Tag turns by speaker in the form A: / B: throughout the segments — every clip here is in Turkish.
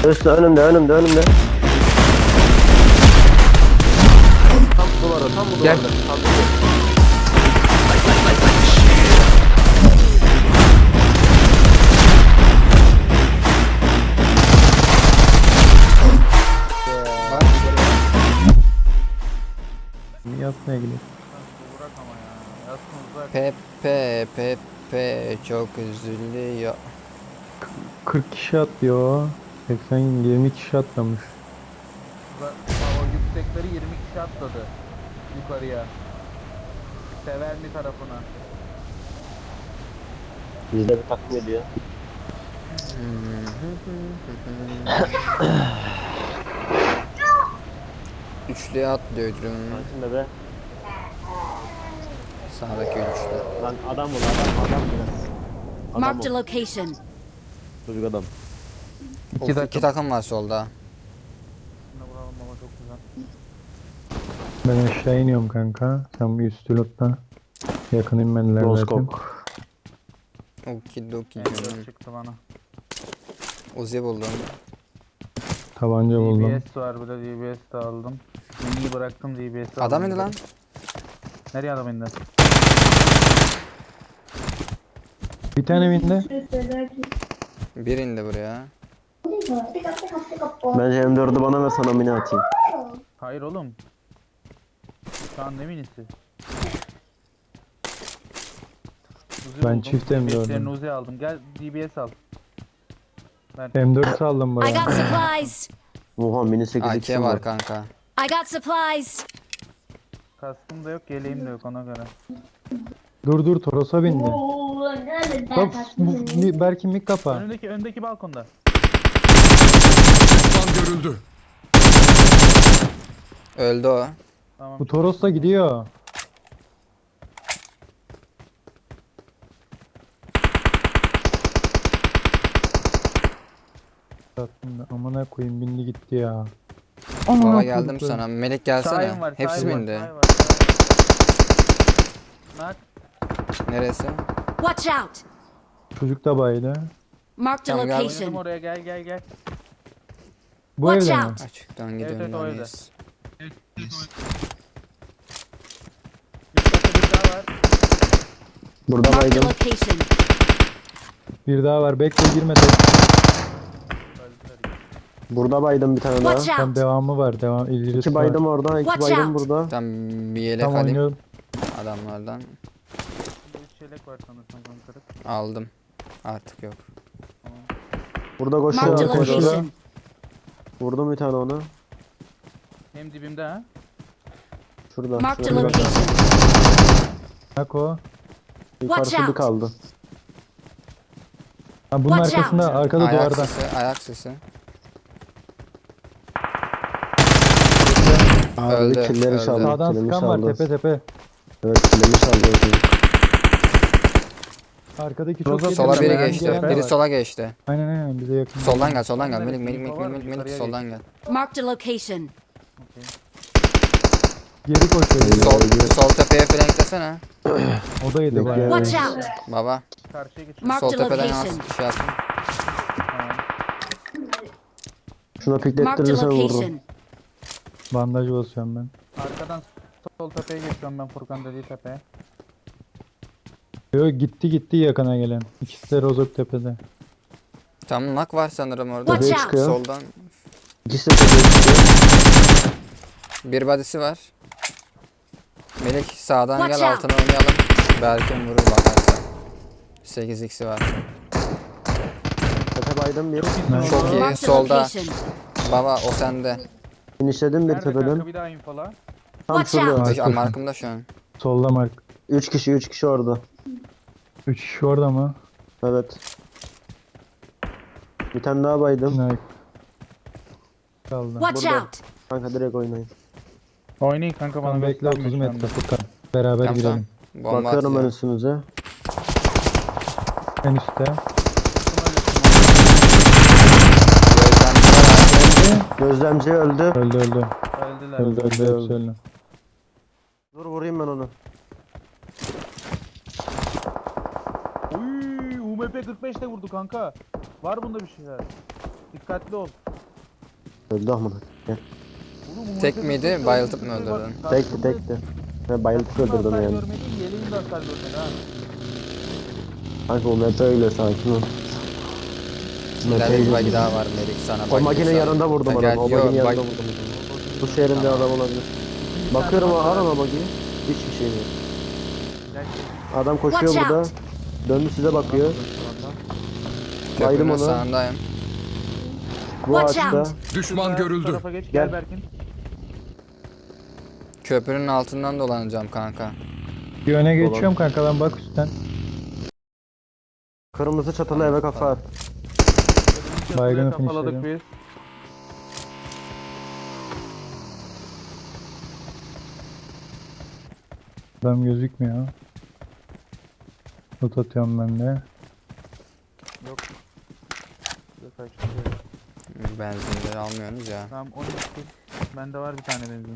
A: Üstü önümde. Tam duvara, tam bu
B: Gel.
A: duvarda. Tam bu.
C: Yatmaya gidiyor.
D: Bırak ama ya. Yatsın uzak.
B: Pepe çok üzülüyor.
C: 40 kişi atlıyor. 80 20 kişi atlamış.
D: O yüksekleri 20 kişi atladı. Yukarıya. Severli tarafına.
A: Bizde bir takım ediyor.
B: Üçlüye atlıyorum.
A: Karşında be.
B: Sağdaki üçlü.
A: Lan adam biraz. Adam
E: Marked a
A: ol.
E: location.
A: Çocuk adam.
B: İki takım var solda.
D: Şimdi vuralım baba, çok güzel.
C: Ben aşağı iniyorum kanka. Sen bir üstü lotta. Yakın inmediler zaten.
A: Roskok.
B: Okidoki
D: M4
B: canım.
D: çıktı bana.
B: Uzi buldum.
C: Tabanca buldum.
D: DBS var, bir de DBS de aldım. Mini'yi bıraktım, DBS'i aldım.
B: Adam indi lan.
D: Nereye adam indi?
C: Bir tane bindi.
B: Bir indi buraya.
A: Bence M4'ü bana ve sana mini atayım.
D: Hayır oğlum. Şu an ne minisi? Uzi
C: Ben
D: buldum.
C: çift M4'üm.
D: DBS'lerini Uzi aldım. Gel DBS al. Ben
C: M4 saldım
E: I
C: buraya.
E: got supplies.
A: Oha mini 8
B: AK
A: x'im
B: var
A: var.
B: kanka.
E: I got supplies.
D: kaskım da yok, yeleğim de yok ona göre.
C: Dur Toros'a bindi. Bak belki mik kapa.
D: Öndeki balkonda.
B: Öldü o.
D: Tamam.
C: Bu Toros'la gidiyor. Aslında amına koyayım bindi gitti ya.
B: Baba geldim sana. Melek gelsene.
D: Şahin var,
B: Hepsi
D: Şahin var,
B: bindi.
D: Şahin var, Şahin var. Nak.
B: Neresi?
E: Watch out.
C: Çocuk da baydı.
E: Marked a
B: Tamam, gel.
D: Oynadım
E: location.
D: oraya, gel.
C: Bu
E: Watch
C: evde mi?
E: out.
B: Açıktan
D: Evet,
B: gidiyorum.
D: o evde.
B: neredeyiz?
D: Üstte bir daha var.
A: Burada
E: Marked a
A: baydım.
E: location.
C: Bir daha var. Bekle girme tek.
A: Burada baydım bir tane daha.
E: Watch
C: Tam
E: out.
C: devamı var. Devam ilerisi
A: İki
C: var.
A: baydım orada, iki
E: Watch
A: baydım
E: out.
A: burada.
B: Tam bir yelek
C: Tam
B: alayım
C: oynuyorum.
B: adamlardan.
D: Burada 3 çelek var sanırsam kırık.
B: Aldım. Artık yok.
A: Burada
E: Marked a
A: koşuyor.
E: location.
A: Vurdum bir tane onu.
D: Hem dibimde ha.
A: Şurada.
E: Marked a
A: şurada.
E: location.
C: Nako.
A: Yukarısı
E: Watch
A: bir
E: out.
A: kaldı.
C: Ha bunun
E: Watch
C: arkasında arkada
B: Ayak
C: duvarda.
B: sesi, ayak sesi.
A: Abi
B: Öldü,
A: killeri
B: öldü.
A: çaldı.
C: Sağdan
A: Kilimi
C: sıkan var
A: çaldı.
C: tepe.
A: Evet kilimi çaldı.
C: Arkadaki çok iyi.
B: Sola biri
C: gelen
B: geçti.
C: var.
B: Biri sola geçti.
C: Aynen bize yakın.
B: Soldan gel.
D: Nerede?
B: Melik
D: Info var mı?
B: Melik
D: Yukarıya
B: soldan gel.
E: Marked a location.
C: Geri koşuyor.
B: Sol tepeye flanklesene.
C: O da yedi bayağı.
E: Watch out.
B: Baba.
D: Karşıya geç.
E: Marked
B: Sol
E: a
B: tepeden
E: location.
B: şey yaptım.
D: Tamam.
A: Şuna
E: Marked a
A: piklettirirse vururum.
E: location.
C: Bandaj basıyorum ben.
D: Arkadan sol tepeye geçiyorum ben, Furkan dediği tepeye.
C: Yo gitti yakına gelen. İkisi de Rozok tepede.
B: Tam nak var sanırım orada.
E: Watch
A: Tepeye
E: out.
A: çıkıyor.
B: Soldan.
A: İkisi de tepeye çıkıyor.
B: Bir body'si var. Melik sağdan
E: Watch
B: gel
E: out.
B: altına oynayalım. Belki vurur bakarsa. 8x'i var.
A: Tepe baydım bir.
B: Çok iyi.
E: Marked a
B: Solda.
E: location.
B: Baba o sende.
A: Finişledim bir
D: Nerede
A: tepeden.
D: kanka, bir daha infola.
A: Tam
E: Watch
A: şurada.
E: out.
C: Mark.
B: Markımda şu an.
C: Solda Mark.
A: 3 kişi orada.
C: 3 kişi orada mı?
A: Evet. Bir tane daha baydım.
C: Nike. Kaldı.
E: Watch
A: Burada.
E: out.
A: Kanka direkt oynayın.
D: Oynayın kanka, bana
C: Tamam bekle 30 metre Furkan. Beraber
B: Tamam,
C: girelim.
B: Bomba
A: Bakıyorum ben
B: atıyor.
A: üstünüze.
C: En üstte.
B: Gözlemci var.
A: Gözlemci öldü.
C: Öldü.
D: Öldüler.
C: Öldü hepsi öldü.
A: Dur vurayım ben onu.
D: Uy, UMP 45 de vurdu kanka. Var bunda bir şeyler. Dikkatli ol.
A: Öldü amına. Gel.
D: Oğlum, bu
B: Tek
D: maçta
B: miydi,
D: dört
B: bayıltıp
D: dört
B: mı
D: dört
B: öldürdün?
D: bak,
A: Tekti
D: karşımda
A: tekti. Ben bayıltıp
D: karşımda
A: öldürdüm
D: hasar
A: yani.
D: görmedin, yeleğin de hasar görmedi ha.
A: Kanka o map öyle sakin ol.
B: İleride bir
A: Map
B: bagi daha var Melik sana
A: O
B: bagi
A: makinenin
B: bulsa.
A: yanında vurdum
B: Ha,
A: adamı.
B: gel-
A: O
B: yo,
A: baginin yanında
B: bag-
A: vurdum adamı. Bu şehrinde
B: Tamam.
A: adam olabilir.
D: İkinci
A: Bakıyorum
D: tane var
A: arama
D: da-
A: bagiyi. Hiçbir şey yok.
D: Gel, gel.
A: Adam koşuyor
E: Watch
A: burada.
E: out!
A: Döndü size bakıyor. Baydım
B: Köprünün
A: onu.
B: sağındayım.
A: Bu
E: Watch
A: ağaçta.
E: out.
F: Düşman
D: Şurada,
F: görüldü.
D: Bu tarafa geç,
A: Gel.
D: gel Berkin.
B: Köprünün altından dolanacağım kanka.
C: Bir öne geçiyorum kanka, ben bak üstten.
A: Kırmızı çatılı eve kafa at.
C: Baygını
D: Kafaladık
C: finishledim.
D: biz.
C: Adam gözükmüyor. Loot atıyorum ben de.
D: Yok. Şurada kaçtı.
B: Benzinleri almıyorsunuz ya.
D: Tamam 12. Bende var bir tane benzin.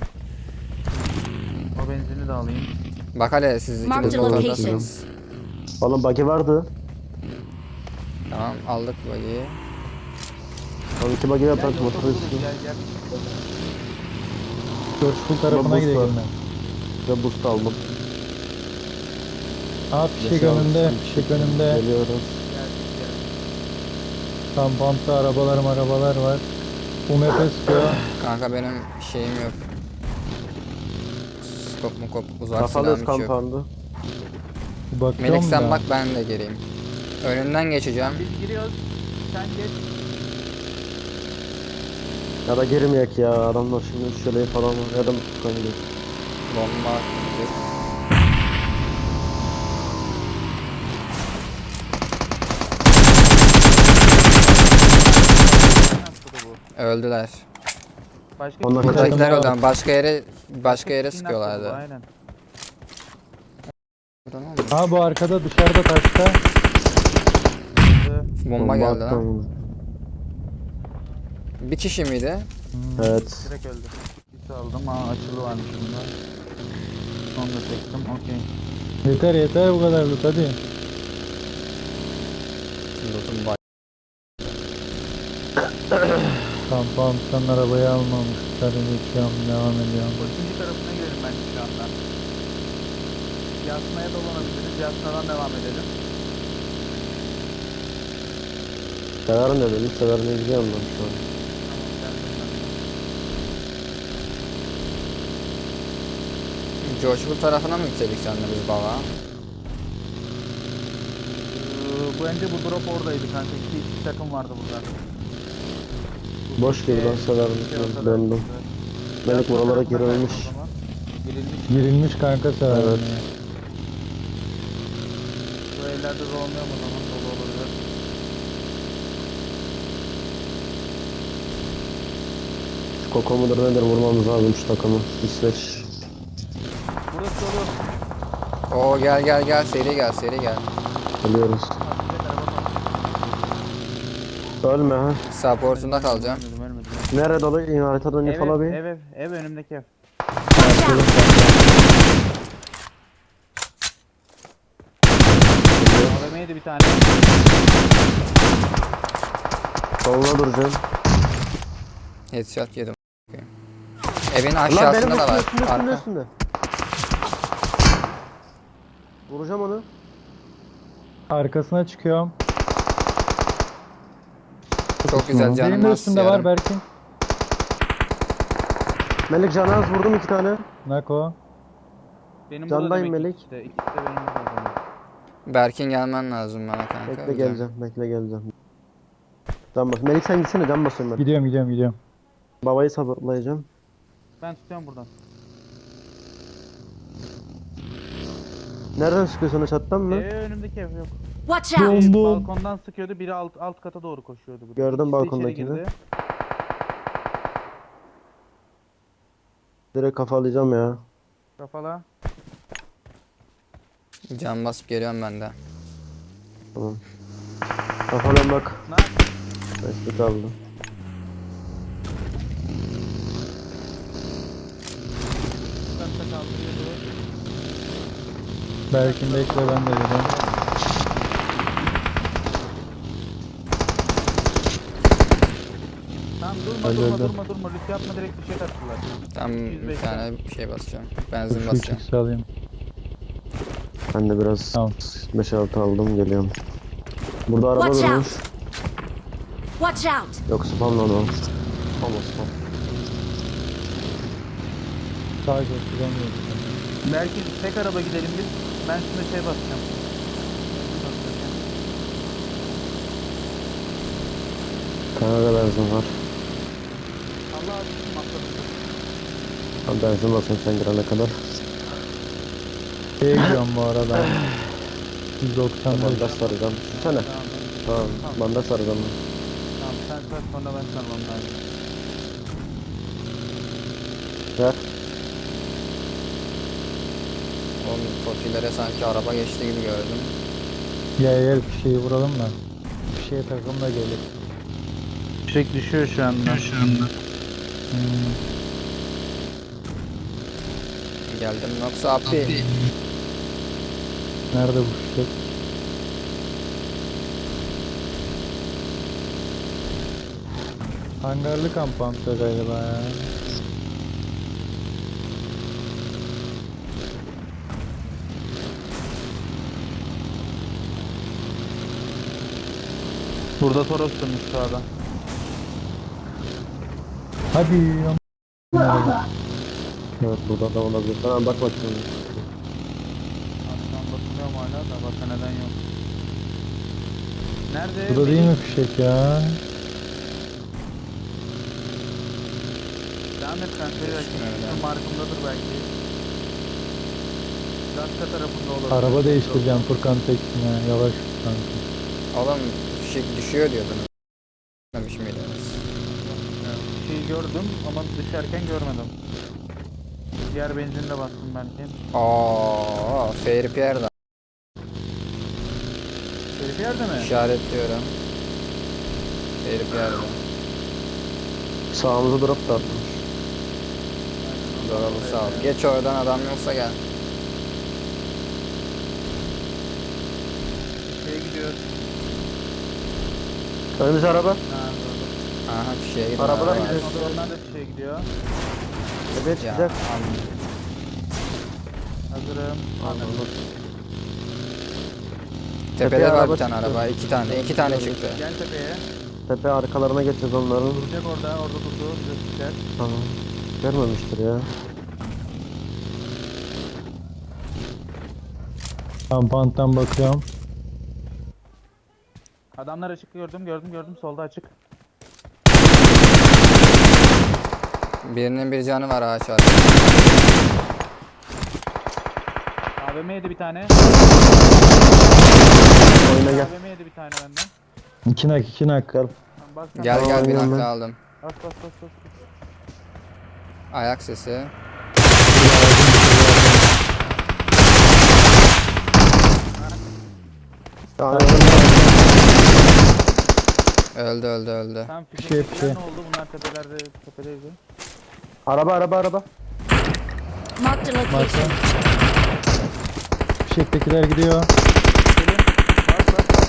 D: O benzini de alayım.
B: Bak hele siz
E: Mark
B: ikiniz
A: the location.
B: motordasınız.
A: Oğlum bagi vardı.
B: Tamam aldık bagiyi.
A: Oğlum iki bagi yapar
D: Gel,
A: motor
D: yoksa
A: üstü.
D: gel gel.
C: Coşkun tarafına
A: boost
C: gidelim
A: var.
C: ben.
A: Ve boost aldım.
C: Aa fişek
A: Beş altı
C: önümde,
A: tane
C: fişek önümde.
A: Geliyorum.
D: Geldik gel.
C: Kampanta arabalar var. UMP sıkıyor.
B: Kanka benim şeyim yok. Skop mu kop uzak
A: Kafalıyoruz
B: silahım hiç yok.
A: kampandı.
C: Bir bakıyorum
B: Melik sen
C: da.
B: bak ben de geleyim. Önünden geçeceğim.
D: Biz giriyoruz. Sen geç.
A: Ya da girmeyek ya. Adamlar şimdi şöyle falan var. Ya da kanka.
B: Bomba attık. Öldüler.
D: Başka
A: Onlar
D: bir-
A: kaçar.
B: Buradakiler
C: var.
B: öldü ama başka yere
D: Kim
B: sıkıyorlardı.
D: yaptı bu? Aynen.
B: Burada ne oldu?
C: Ha bu arkada dışarıda taşta.
B: Bomba geldi lan.
A: attım.
B: Bir kişi miydi?
A: Evet.
D: Direkt öldü. Bir aldım. Aa açılı varmış bunda. Onu da çektim. Okey.
C: Yeter bu kadar loot hadi.
B: Loot'um var.
C: Kampanttan arabayı almamışlar. Geçiyorum, devam ediyorum.
D: İkinci tarafına girelim bence şu anda. Yasnaya dolanabiliriz. Yasnadan devam edelim.
A: Severim de dedim. Severim de gidiyorum ben şu an.
D: Tamam geldim ben de.
B: Coşkul tarafına mı gitseydik senle biz baba?
D: Bu önce bu drop oradaydı kanka. İki takım vardı burada.
A: Boş gibi ben severim.
D: ortada.
A: Döndüm. Melek
D: Yasna
A: buralara
D: tarafına
A: girilmiş.
D: kaçtı o zaman. Girilmiş.
C: Girilmiş kanka severim
A: Evet.
C: ya.
D: Bu ellerde de olmuyor mu o zaman? Dolu olabilir.
A: Koko mudur nedir vurmamız lazım şu takımı. İsveç.
D: Burası dolu.
B: Oo gel seri gel.
A: Geliyoruz. Ölme ha.
B: Support'unda kalacağım.
D: Ölmedim.
A: Nerede dolu? Yine haritadan
D: Ev,
A: info al bir.
D: ev önümdeki ev.
E: Watch out!
D: AVM'ydi bir tane.
A: Soluna duracağım.
B: Headshot yedim. Evin
A: Lan benim
B: aşağısında da var.
A: üstünde
B: Arka.
A: üstünde. Vuracağım onu.
C: Arkasına çıkıyorum.
B: Çok güzel
C: Benim
B: canım
C: de
B: az
C: üstünde var
B: yarım.
C: Berkin.
A: Melek canaz vurdum 2 tane.
C: Nako.
D: Benim
A: Candayım
D: burada demek
A: Melek.
D: ikisi de. İkisi de benim burada.
B: Berkin gelmen lazım bana kanka.
A: Bekle
B: öleceğim.
A: geleceğim. Can bas. Melek sen gitsene can basıyorum ben.
C: Gidiyorum.
A: Babayı sabırlayacağım.
D: Ben tutuyorum buradan.
A: Nereden sıkıyorsun o çattan mı?
D: Önümdeki ev yok.
E: Watch out!
C: Bom bom.
D: Balkondan sıkıyordu. Biri alt kata doğru koşuyordu. Bu.
A: Gördüm
D: İkisi de
A: balkondakini.
D: içeri girdi.
A: Direkt kafalayacağım ya.
D: Kafala.
B: Can basıp geliyorum ben de.
A: Tamam. Kafalan bak.
D: Ne?
A: Beşlik kaldı.
D: Katta kaldırıyordu.
C: Berkin bekle, ben de geliyorum.
D: Tamam Tamam durma
C: Öldü,
D: durma
C: öldü.
D: durma. Risk yapma, direkt bir şey attılar.
B: Tam bir
D: 205
B: tane şey basacağım. Benzin
C: Şu
B: basacağım.
C: 3x'i alayım.
A: Ben de biraz
C: Tamam.
A: 5-6 aldım geliyorum. Burada araba
E: Watch
A: durmuş.
E: Watch out!
A: Yok spam lan o. Spam o spam.
C: Sadece kullanmıyorum.
D: Belki tek araba gidelim biz. Ben şimdi şey basacağım.
A: Kanada benzin var.
D: Allah aşkına atladım.
A: Ben benzin basayım sen girene kadar.
C: Şeye gidiyorum bu arada. 195.
A: Bandaj saracağım. Düşsene. Tamam. Bandaj saracağım.
D: Tamam sen sar, sonra ben sarmam lazım.
A: Ver.
B: Oğlum tokilere sanki araba geçti gibi gördüm.
C: Gel şeyi vuralım da. Bir şeye takım da gelir.
D: Fişek düşüyor şu anda.
C: Hmm.
B: Geldim yoksa abi.
C: Nerede bu fişek? Hangarlı kampanta galiba ya.
D: Burada Toros dönmüş sağda.
C: Hadi ya.
A: Evet burada da olabilir. Tamam bak bakayım.
D: Aslan basılıyor mu hala da bak neden yok. Nerede?
C: Bu da değil mi fişek ya?
D: Devam et sen seri belki.
B: öyle.
D: Şu markımdadır belki. Dakika tarafında olur.
C: Araba değiştireceğim Furkan Tekin'e. Yavaş kanka.
B: Oğlum fişek düşüyor diyordunuz. Demiş miydiniz?
D: Bir şey gördüm ama düşerken görmedim. Diğer benzinle bastım belki.
B: Aa, Fair Pierre'da
D: Şerif yerde mi?
B: işaretliyorum. Fair Pierre'da.
A: Sağımıza drop da atmış.
B: Doğru sağ ol. Geç oradan adam yoksa gel.
D: Şeye gidiyor.
A: Önümüzde araba.
D: Ha doğru.
B: Aha fişeğe gidin.
A: Arabalar
B: abi.
A: gidiyor.
D: Sonra onlar da şeye gidiyor.
A: Tepeye
B: Ya,
A: çıkacak.
D: Hazırım.
A: Anladım.
B: Tepede
A: Tepeye
B: var
A: araba
B: bir tane
A: çıktı.
B: araba. İki tane çıktı.
D: Gel tepeye.
A: Tepe arkalarına geçeceğiz onların.
D: Duracak orada durdu. Bize çıkacak.
A: Tamam. Görmemiştir ya.
C: Kampanttan bakıyorum.
D: Adamlar açık gördüm. Solda açık.
B: Birinin bir canı var ağaç var.
D: AVM yedi bir tane.
A: Oyuna gel.
D: AVM yedi bir tane benden.
C: 2 nak 2 nak.
A: Gel.
D: Tamam, bas sen.
B: Gel
A: Tamam,
B: gel bir
A: oynuyorum
B: nakla
A: ben.
B: aldım.
D: Bas.
B: Ayak sesi.
A: Tamam.
B: Öldü.
D: Tam
C: Bir şey,
D: fişekler ne oldu? Bunlar tepedeydi.
A: Araba.
E: Marked a
C: Marka.
E: location.
C: Fişektekiler gidiyor.
D: Gelin. Bas.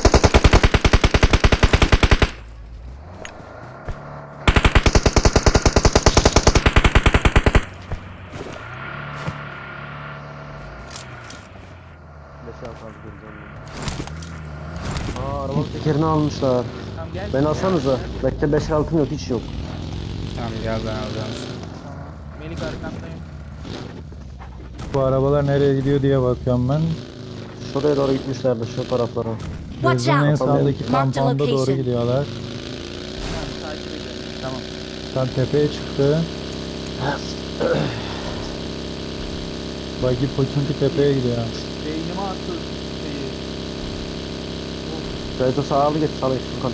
A: Aa arabanın tekerini almışlar.
D: Tamam gel.
A: Beni alsanıza. Bekle 5 altım yok hiç yok.
B: Tamam gel ben alacağım.
D: Tamam. Melik arkandayım.
C: Bu arabalar nereye gidiyor diye bakıyorum ben.
A: Şuraya doğru gitmişlerdi şu taraflara.
E: Watch
C: Gözümün en
E: out!
C: sağdaki
E: Marked
C: kampanda doğru
E: location.
C: gidiyorlar.
D: Tamam takip ediyorum. Tamam.
C: Tam tepeye çıktı. Buggy Poçunki tepeye gidiyor.
D: Beynime attı şeyi.
A: Şöyle sağlı geç Furkan.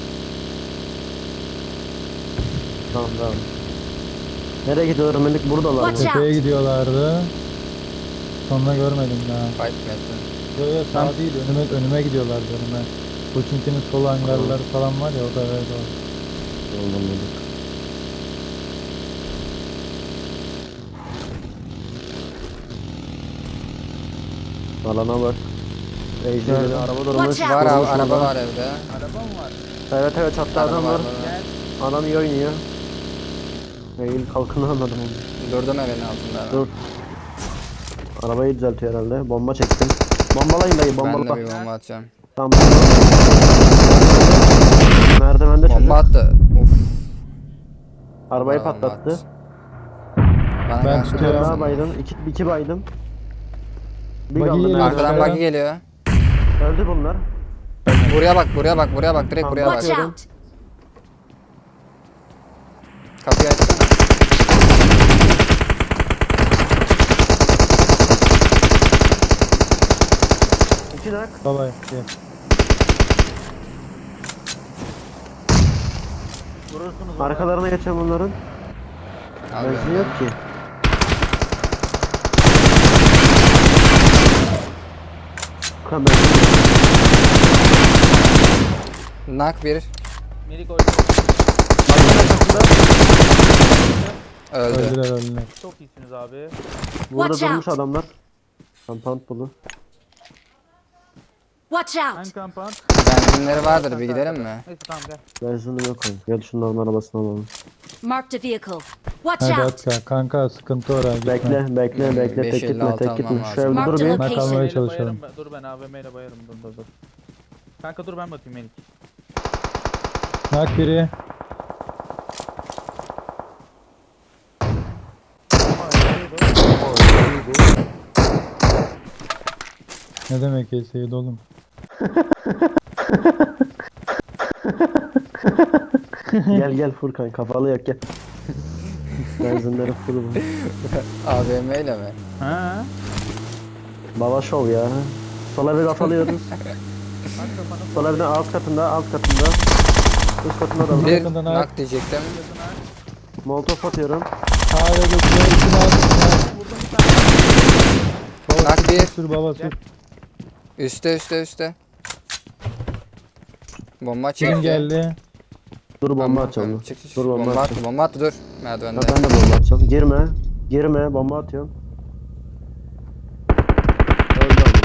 A: Tamam. Nereye gidiyorlar Melik? Buradalar mı?
E: Watch out.
C: Tepeye gidiyorlardı. Sonra görmedim daha.
B: Fight mi ettin?
C: Yo sağ değil önüme gidiyorlardı önüme. Poçunki'nin sol hangarları falan var ya o da öyle var.
A: Oldu Melik. Alana bak. Ejder'de araba durmuş.
E: Watch out.
B: Var
A: Durmuş
B: araba
A: orada.
B: var evde.
D: Araba mı var?
A: Evet çattı
B: Araba
A: adam
B: var.
A: var.
D: Gel.
A: Adam iyi oynuyor. Eğil kalkını anladım onu.
B: Durdum evin altında.
A: Dur. Arabayı düzeltiyor herhalde. Bomba çektim. Bombalayın dayı,
B: Ben
A: bombala.
B: de bir bomba atacağım.
A: Tamam. Merdivende çocuk.
B: Bomba attı. Uf.
A: Arabayı
B: Bomba
A: patlattı.
B: attı. Bana
C: Ben
B: karşı
C: tutuyorum.
A: Daha
B: duruyorsun.
A: baydım. İki baydım. Bir
C: Buggy
A: kaldı
C: geliyor.
A: merdivende.
B: Arkadan buggy geliyor.
A: Öldü bunlar.
B: Buraya bak, buraya bak, buraya bak. Direkt
A: Tamam,
B: buraya bak.
E: Watch out!
B: Kapıyı açsana.
A: İki nak.
C: Baba gel.
D: Vurursunuz onu.
A: Arkalarına geçen bunların.
B: Al
A: Benzin
B: beni.
A: yok ki. Kan benzin yok.
B: Nak bir.
D: Melik oynuyor.
A: Arkanın arkasında.
B: Öldü.
C: Öldüler.
D: Çok iyisiniz abi.
A: Burada
E: Watch
A: durmuş
E: out.
A: adamlar. Kampant bulu.
E: Watch out!
D: Hangi kampant?
B: Benzinleri vardır, bir gidelim mi?
D: Neyse tamam gel.
A: Benzinim yok oyun. Gel şunların arabasını alalım.
E: Marked a vehicle. Watch
C: Hadi
E: out!
C: at kanka sıkıntı oraya gitme.
A: Bekle tek gitme
B: 556
A: tek gitme.
B: almam
A: Şu evde
E: lazım.
A: dur bir.
E: Marked
C: Ben kalmaya
D: Bayarım,
C: çalışıyorum.
D: dur ben AVM ile bayarım. Dur. Kanka dur ben bakayım Melik.
C: Nak biri. Ne demek Seyit oğlum?
A: Gel Furkan kafalı yok gel. Benzinleri full bu.
B: AVM ile mi?
D: Ha?
A: Baba şov ya. Sol evi kafalıyoruz. Sol evden alt katında. Üst katında da var.
B: Bir
C: Yakından nak.
B: nak diyecektim.
A: Molotof atıyorum.
C: Hala götürüyor. İçine at.
B: Nak bir.
C: Sür baba sür.
B: Üste. Bomba
C: Kim
B: çekti.
C: geldi?
A: Dur bomba
B: Tamam,
A: atacağım.
B: çık.
A: Dur bomba
B: Bomba
A: atacağım.
B: attı, bomba attı dur.
A: Ha,
B: Merdivende.
A: ben de bomba atacağım. Girme bomba atıyorum. Öldü adam.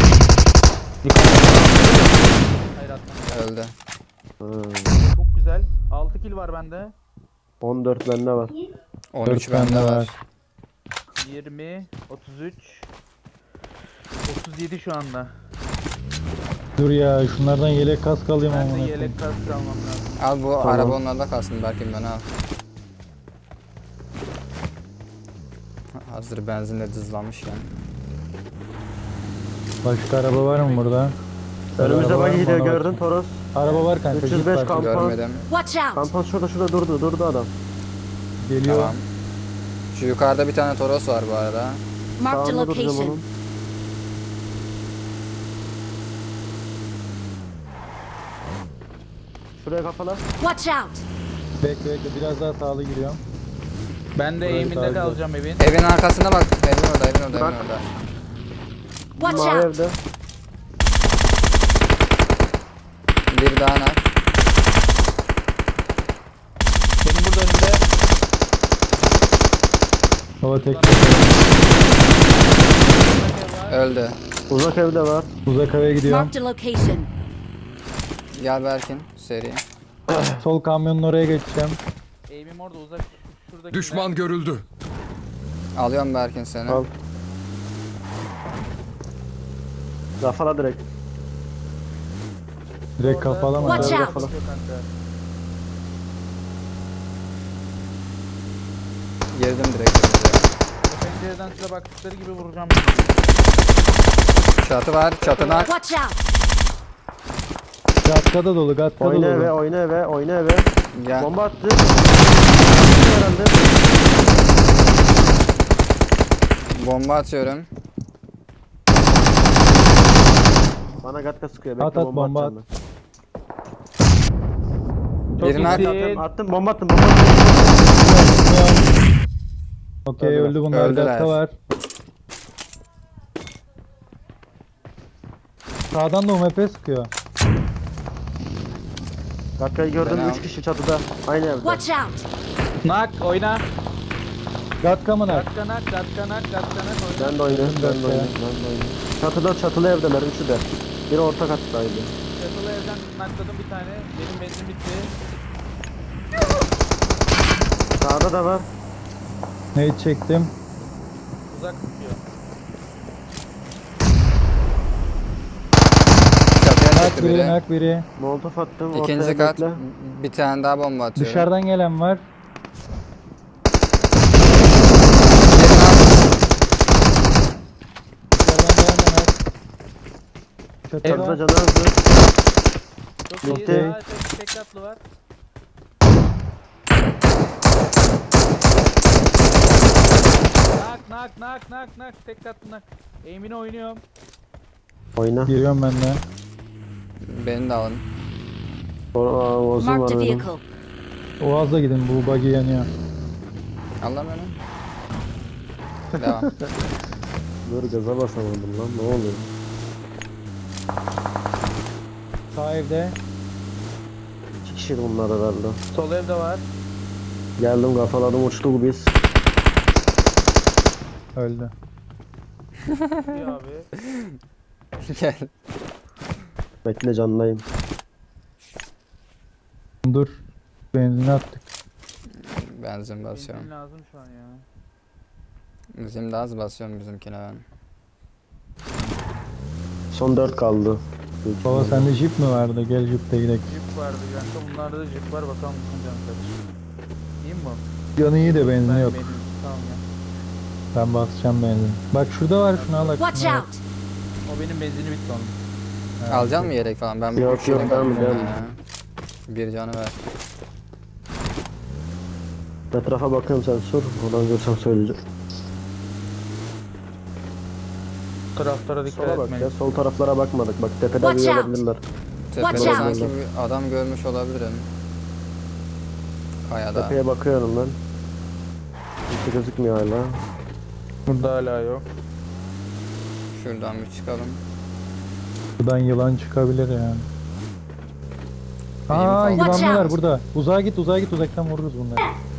D: Hayır atma.
B: Öldü.
A: Ha,
D: Çok güzel. 6 kill var bende.
A: 14 bende var.
B: 13
C: 4 bende
B: bende var.
C: var.
D: 20, 33, 37 şu anda.
C: Dur ya şunlardan yelek kask alayım
D: Ben
C: amına
D: de
C: koyayım.
D: yelek kask almam lazım.
B: Al bu
A: Tamam.
B: araba onlarda kalsın belki ben al. Hazır benzinle dızlanmış yani.
C: Başka araba var mı burada?
A: Önümüzde
C: Araba var
A: bak
C: mı?
A: gidiyor
C: Ona
A: gördün
C: bak.
A: Toros.
C: Araba var kanka.
A: 305
C: Jeep var.
A: kamp.
B: Görmedim.
E: Watch out!
A: Kampan şurada durdu adam.
C: Geliyor.
B: Tamam. Şu yukarıda bir tane Toros var bu arada.
E: Marked a
A: Sağında duracağım
E: location.
A: onun. Şuraya kafala.
E: Watch out!
C: Bekle biraz daha sağlı giriyorum.
D: Ben de
C: Burayı
D: eğiminde
C: takip et.
D: kalacağım evin.
B: Evin arkasına bak. Evin orada.
A: Bak.
E: Watch
A: Mavi
E: out!
A: evde.
B: Bir daha nak.
D: Benim burada önümde.
C: Baba tek
B: Öldü.
A: Uzak evde var.
C: uzak eve gidiyorum.
E: Marked a location.
B: Gel Berkin seri.
C: Sol kamyonun oraya geçeceğim.
D: Eğimim orada uzak. Şuradaki.
F: Düşman görüldü.
B: Alıyorum Berkin seni.
A: Al. Kafala direkt.
C: Direkt kafalama.
E: Watch
A: Direkt
E: out.
A: kafala.
B: Girdim direkt. önümüze.
D: Pencereden size baktıkları gibi vuracağım.
B: Çatı var. Çatı nak.
E: Watch out!
C: Gatkada dolu, gatkada
A: Oyna eve,
C: dolu.
A: oyna eve.
B: Gel.
A: Bomba attı. Herhalde.
B: Bomba atıyorum.
A: Bana gatka sıkıyor. Bekle
C: At, at,
A: bomba
C: bomba
A: atacağım
D: Çok
B: Birini at.
D: iyisin.
A: ben. Attım bomba attım.
C: Okey
A: Öldüler.
C: öldü bunlar.
B: Öldüler.
C: Gatka var. Sağdan da UMP sıkıyor.
A: Gatkayı gördüm.
B: Ben
A: 3
B: al.
A: kişi çatıda. Aynı evde.
E: Watch out!
D: Nak oyna.
C: Gatka mı nak?
D: Gatka nak oyna.
A: Ben de oynuyorum. Çatılı evdeler. Üçü de. Biri orta kattaydı.
D: Çatılı evden nakladım bir tane. Benim benzin bitti.
A: Sağda da var.
C: Neyi çektim?
D: Uzak tutuyor.
B: Çatıya
C: Nak
B: çıktı
C: biri,
B: biri.
C: nak biri.
A: Molotof attım.
B: İkinci
A: ortaya
B: kat.
A: bekle.
B: Bir tane daha bomba atıyorum.
C: Dışarıdan gelen var. Dışarıdan gelen de nak. Çatı
A: Çatıda
C: var.
A: canı azdı.
D: Çok iyi.
C: Bitti.
D: Daha tek katlı var. Nak. Tek katlı nak. Aim'ini oynuyorum.
A: Oyna.
C: Giriyorum ben de.
B: Beni de alın.
A: Ozun
E: Marked
A: var
E: a
A: benim.
E: vehicle.
C: Oğaz'la gidin, bu buggy yanıyor.
B: Al lan beni. Devam.
A: Dur gaza basamadım lan. Ne oluyor?
C: Sağ evde.
A: 2 kişi bunlar herhalde.
D: Sol evde var.
A: Geldim kafaladım uçtu biz.
C: Öldü.
D: İyi abi.
B: Gel.
A: Bekle canlayım.
C: Dur. Benzin attık.
B: Benzin basıyorum.
D: Benzin lazım şu an ya.
B: Bizim de az basıyorum bizimkine ben.
A: Son 4 kaldı.
C: Baba sende jip mi vardı? Gel jipte gidelim.
D: Jip vardı kanka. Bunlarda da jip var. Bakalım bunun canı kaç. İyi mi bu?
C: Canı iyi de benzin
D: Ben
C: yok.
D: benim. Tamam ya.
C: Ben basacağım benzin. Bak şurada var, şunu al.
E: Watch
C: şunu al.
E: out!
D: O benim benzini bitti onun.
C: Ha,
B: Alacak mı yelek falan? Ben
A: Yok,
B: üç yelek
A: yok, ben
B: aldım
A: alacağım.
B: ya. Bir canı ver.
A: Etrafa bakıyorum sen sor. Oradan görsem söyleyeceğim.
D: Taraftara dikkat
A: Sola bak
D: etmeyin.
A: ya. Sol taraflara bakmadık. Bak tepede
E: Watch
A: bir
E: out.
A: olabilirler.
E: Watch
B: Tepede
E: out.
B: sanki bir adam görmüş olabilirim. Kayada.
A: Tepeye bakıyorum ben. Hiç gözükmüyor hala.
D: Burada hala yok.
B: Şuradan bir çıkalım.
C: Buradan yılan çıkabilir yani. Aa,
B: Benim
E: Watch
C: yılanlar
E: out.
C: burada. Uzağa git, uzaktan vururuz bunları.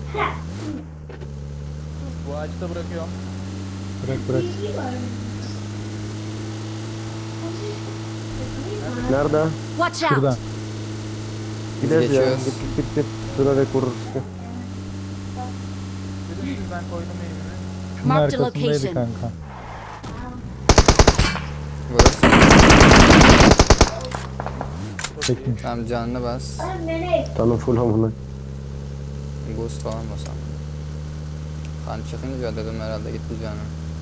D: Bu ağaçta bırakıyorum.
C: Bırak.
A: Nerede?
E: Watch out!
C: Şuradan.
A: Gideriz ya.
B: geçiyoruz.
A: Git. Durarak vururuz.
D: Dedim siz ben koydum elimini.
C: Şunun
E: Marked
C: arkasındaydı
E: location.
C: kanka.
B: Vurursun.
C: Çekmiş.
B: Tamam canını bas.
A: Tanım full hamına.
B: Boost falan basam. Kan çıkınca dedim herhalde gitti canım.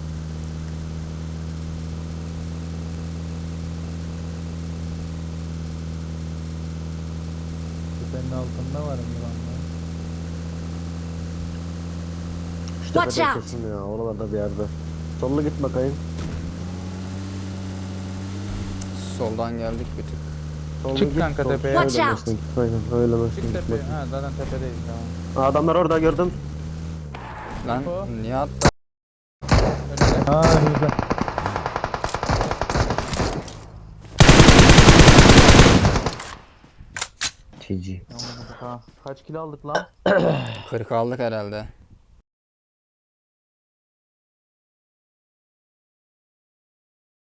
C: Tepenin altında var mı yılanlar?
A: İşte
E: Watch
A: tepede
E: out.
A: kesin ya. Oralarda bir yerde. Sollu git bakayım.
B: Soldan geldik bir tık.
A: Sollu
D: Çık
A: git,
D: kanka
A: sol-
D: tepeye.
E: Watch
A: Öyle
E: out.
A: mesin, aynen öyle mesin,
D: Çık
A: git
D: tepeye.
A: bakayım.
D: Ha zaten tepedeyiz tamam.
A: Adamlar orada gördüm.
B: Lan
D: Info.
B: niye attı?
D: Önünde.
C: Aa, önümüzde.
A: GG.
D: Tamam, ha. Kaç kilo aldık lan?
B: 40 aldık herhalde.